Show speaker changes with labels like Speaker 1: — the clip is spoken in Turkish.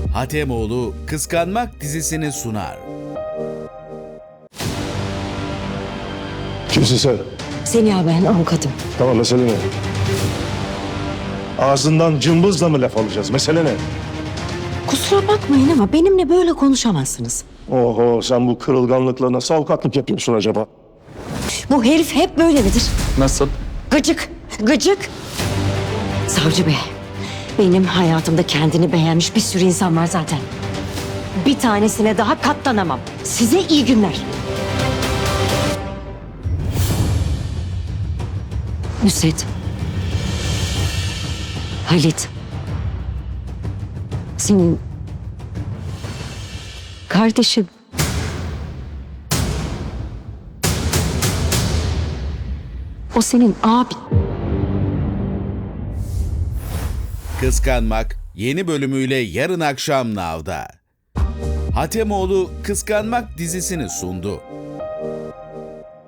Speaker 1: Hatemoğlu Kıskanmak dizisini sunar.
Speaker 2: Kimsin sen?
Speaker 3: Seniha ben avukatım.
Speaker 2: Tamam, mesele ne? Ağzından cımbızla mı laf alacağız? Mesele ne?
Speaker 3: Kusura bakmayın ama benimle böyle konuşamazsınız.
Speaker 2: Oho, sen bu kırılganlıkla nasıl avukatlık yapıyorsun acaba?
Speaker 3: Bu herif hep böyle midir?
Speaker 4: Nasıl?
Speaker 3: Gıcık, gıcık. Savcı bey, benim hayatımda kendini beğenmiş bir sürü insan var zaten. Bir tanesine daha katlanamam. Size iyi günler. Nusret. Halit. Senin kardeşin. O senin abin.
Speaker 1: Kıskanmak yeni bölümüyle yarın akşam Nav'da. Hatemoğlu Kıskanmak dizisini sundu.